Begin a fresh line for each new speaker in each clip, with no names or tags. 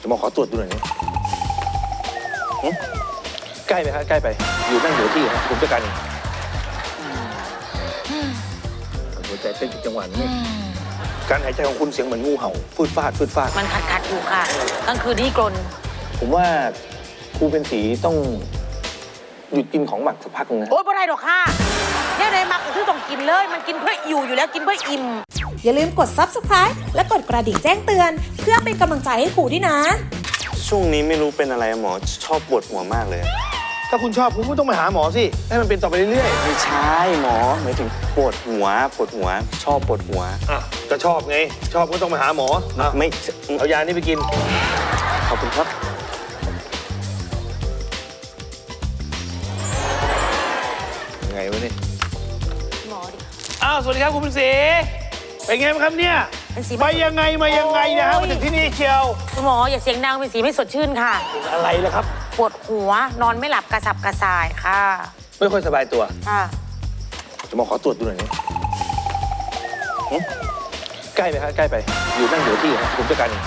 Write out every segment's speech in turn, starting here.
จะมาขอตรวจดูหน่อยนี่ใกล้ไหมครับใกล้ไปอยู่นั่งอยู่ที่ครับผมจัดการเองหัวใจเต้นผิดจังหวะนี่การหายใจของคุณเสียงเหมือนงูเห่าฟืดฟาดฟืดฟาด
มันขัดอยู่ค่ะกลางคืนที่กรน
ผมว่าครูเป็นสีต้องหยุดกินของหมักสักพักนึงนะ
โอ๊ยไม่ได้หรอกค่ะเนี่ยในหมักคือต้องกินเลยมันกินเพื่ออยู่แล้วกินเพื่ออิ่ม
อย่าลืมกด Subscribe และกดกระดิ่งแจ้งเตือนเพื่อเป็นกำลังใจให้ครูด้วยนะ
ช่วงนี้ไม่รู้เป็นอะไรหมอชอบปวดหัวมากเลย
ถ้าคุณชอบคุณก็ต้องไปหาหมอสิให้มันเป็นต่อไปเรื่อย
ๆไม่ใช่หมอหมายถึงปวดหัวชอบปวดหัว
อ่ะก็ชอบไงชอบก็ต้องไปหาหมอ
ไม่
เอายานี้ไปกิน
ขอบคุณครับ
ยังไงวะนี่
หมอดิ
อ้าวสวัสดีครับคุณเป็นสีเป็นไงบ้างครับเนี่ยมายังไงนะฮะมาถึงที่นี่เชียว
คุณหมออย่าเสียงดังเป็นสีไม่สดชื่นค่ะ
อะไรล่ะครับ
ปวดหัวนอนไม่หลับกระสับกระส่ายค่ะ
ไม่ค่อยสบายตัว
ค่ะ
จะมาขอตรวจดูหน่อยนี่ใกล้ไหมครับใกล้ไปอยู่นั่งอยู่ที่ครับผมจัดการเอง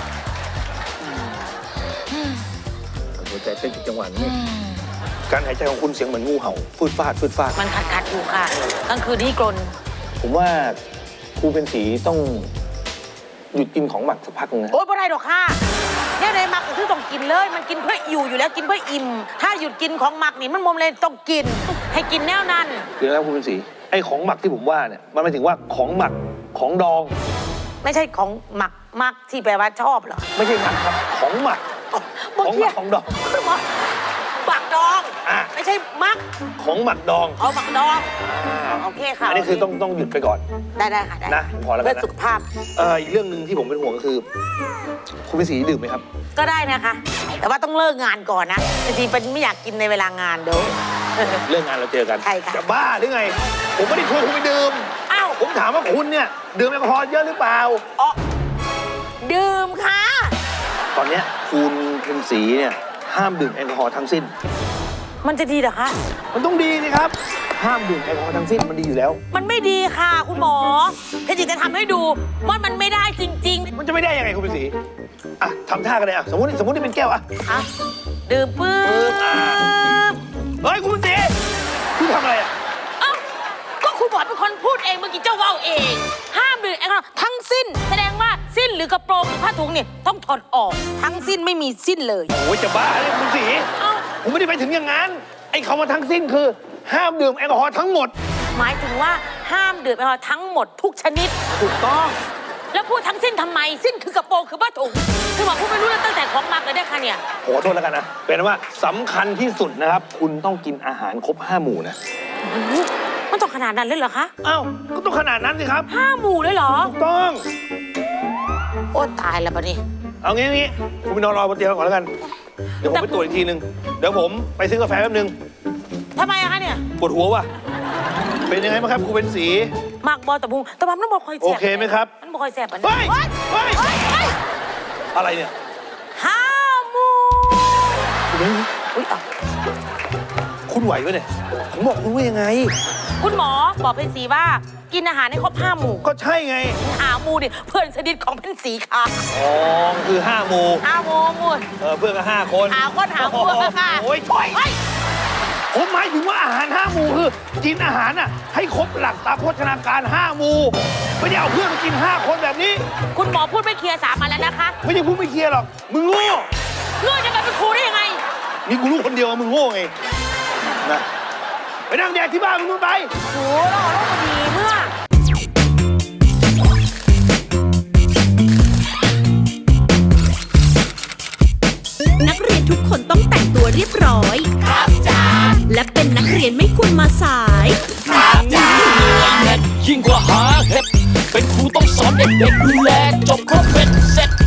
หัวใจเต้นผิดจังหวะนี่การหายใจของคุณเสียงเหมือนงูเห่าฟืดฟาด
มันขัดอยู่ค่ะกลางคืนที่กรน
ผมว่าครูเป็นสีต้องหยุดกินของหมักสักพักนึงนะ
โอ๊ยไม่ได้หรอกค่ะเนี่ยในหมักคือต้องกินเลยมันกินเพื่ออยู่แล้วกินเพื่ออิ่มถ้าหยุดกินของหมักนี่มันมมเลยต้องกินให้กินแนวนั้น
คือแล้วครูเป็นสีไอ้ของหมักที่ผมว่าเนี่ยมันหมายถึงว่าของหมักของดอง
ไม่ใช่ของหมักที่แปลว่าชอบเหรอ
ไม่ใช่หมักครับของหมักของดอง
หมักดองไม่ใช่มัก
ของหมักดอง
เอาหมักดองโอเคค่ะ
อันนี้คือต้องหยุดไปก่อน
ได้ค่ะได้
นะพอแล้วกันนะ
เพื่อสุขภาพ
อีกเรื่องหนึ่งที่ผมเป็นห่วงก็คือคุณเป็นสีดื่มไหมครับ
ก็ได้นะคะแต่ว่าต้องเลิกงานก่อนนะจริงๆเป็นไม่อยากกินในเวลางานเดี๋ยว
เลิกงานเราเจอกัน
ใช่ค่ะ
จะบ้าหรือไงผมไม่ได้ชวนคุณไปดื่ม
อ้าว
ผมถามว่าคุณเนี่ยดื่มแอลกอฮอล์เยอะหรือเปล่า
อ๋อดื่มค่ะ
ตอนนี้คุณเป็นสีเนี่ยห้ามดื่มแอลกอฮอล์ทั้งสิ้น
มันจะดีเหรอคะ
มันต้องดีสิครับห้ามดื่มแอลกอฮอล์ทั้งสิ้นมันดีอยู่แล้ว
มันไม่ดีค่ะคุณหมอเพชรจะทำให้ดูว่ามันไม่ได้จริง
ๆมันจะไม่ได้ยังไงคุณเป็นสีอ่ะทำท่ากันเลยอ่ะสมมตินี่เป็นแก้วอ่ะ
ดื่มปึ๊บ
เฮ้ยคุณเป็นสีคุณทำอะไรอ่ะ
ก็คุณบอกเป็นคนพูดเองเมื่อกี้เจ้าว่าวเองห้ามดื่มแอลกอฮอล์ทั้งสิ้นแสดงว่าสิ้นหรือกระโปรงหรือผ้าถุงเนี่ยต้องถอดออกทั้งสิ้นไม่มีสิ้นเลย
โอ้ยจะบ้าเลยคุณสีผมไม่ได้ไปถึงอย่างนั้นไอ้คำว่าทั้งสิ้นคือห้ามดื่มแอลกอฮอล์ทั้งหมด
หมายถึงว่าห้ามดื่มแอลกอฮอล์ทั้งหมดทุกชนิด
ถูกต้อง
แล้วพูดทั้งสิ้นทำไมสิ้นคือกระโปรงคือผ้าถุงคือบอกพูดไม่รู้แล้วตั้งแต่ของมักเลยได้ค่ะเนี่ย
ขอโทษแล้วกันนะเป็นว่าสำคัญที่สุดนะครับคุณต้องกินอาหารครบ5 หมู่นะ
มันต้องขนาดนั้นเลยเหรอคะ
อ้าวก็ต้องขนาดนั้นสิครับ
5 หมู่เลยเหรอ
ถูกต้อง
โอ้ตายแล้วปะนี่
เอางี้คุณไปนอนรอบนเตียงก่อนแล้วกันเดี๋ยวผมไปตรวจอีกทีนึงเดี๋ยวผมไปซื้อกาแฟแป๊บนึง
ทำไมอะคะเนี่ย
ปวดหัวว่ะเป็นยังไงบ้างครับครูเป็นสี
มากบอลตะพุงแต่มันต้องบอกคอยแสบ
โอเคไหมครับ
มันบอกคอยแสบอัน
นี้เฮ้ยอะไรเนี่ย
5 หมู่
คุณไหวไหมเนี่ยผมบอกคุณว่ายังไง
คุณหมอบอกเพนสีว่ากินอาหารให้ครบ5 หมู่
ก็ใช่ไง
5 หมู่ดิเพื่อนสนิทของเพนสีค่ะ
อ๋อคือ5 หมู่
5 หมู่
เพื่อนก็5 คน
5 คน5 หมู่ค่ะ
โอ้ยถอยผมหมายถึงว่าอาหาร5 หมู่คือกินอาหารน่ะให้ครบหลักตามโภชนาการ5 หมู่ไม่ได้เอาเพื่อนมากิน5 คนแบบนี้
คุณหมอพูดไม่เคลียร์3 มาแล้วนะคะ
ไม่ใช่พูดไม่เคลียร์หรอกมึงโง่
จะมาเป็นครูได้ยังไง
มีกูรู้คนเดียวมึงโง่ไงนะไปนั่งแดกที่บ้านมึงไป
โอ้โหเราพอดีเมื่อ
นักเรียนทุกคนต้องแต่งตัวเรียบร้อยครับจ้าและเป็นนักเรียนไม่ควรมาสาย
ครับจ้ายิ่งกว่าหาเห็ดเป็นครูต้องสอนเด็กๆดูแลจบครบเป็นเสร็จ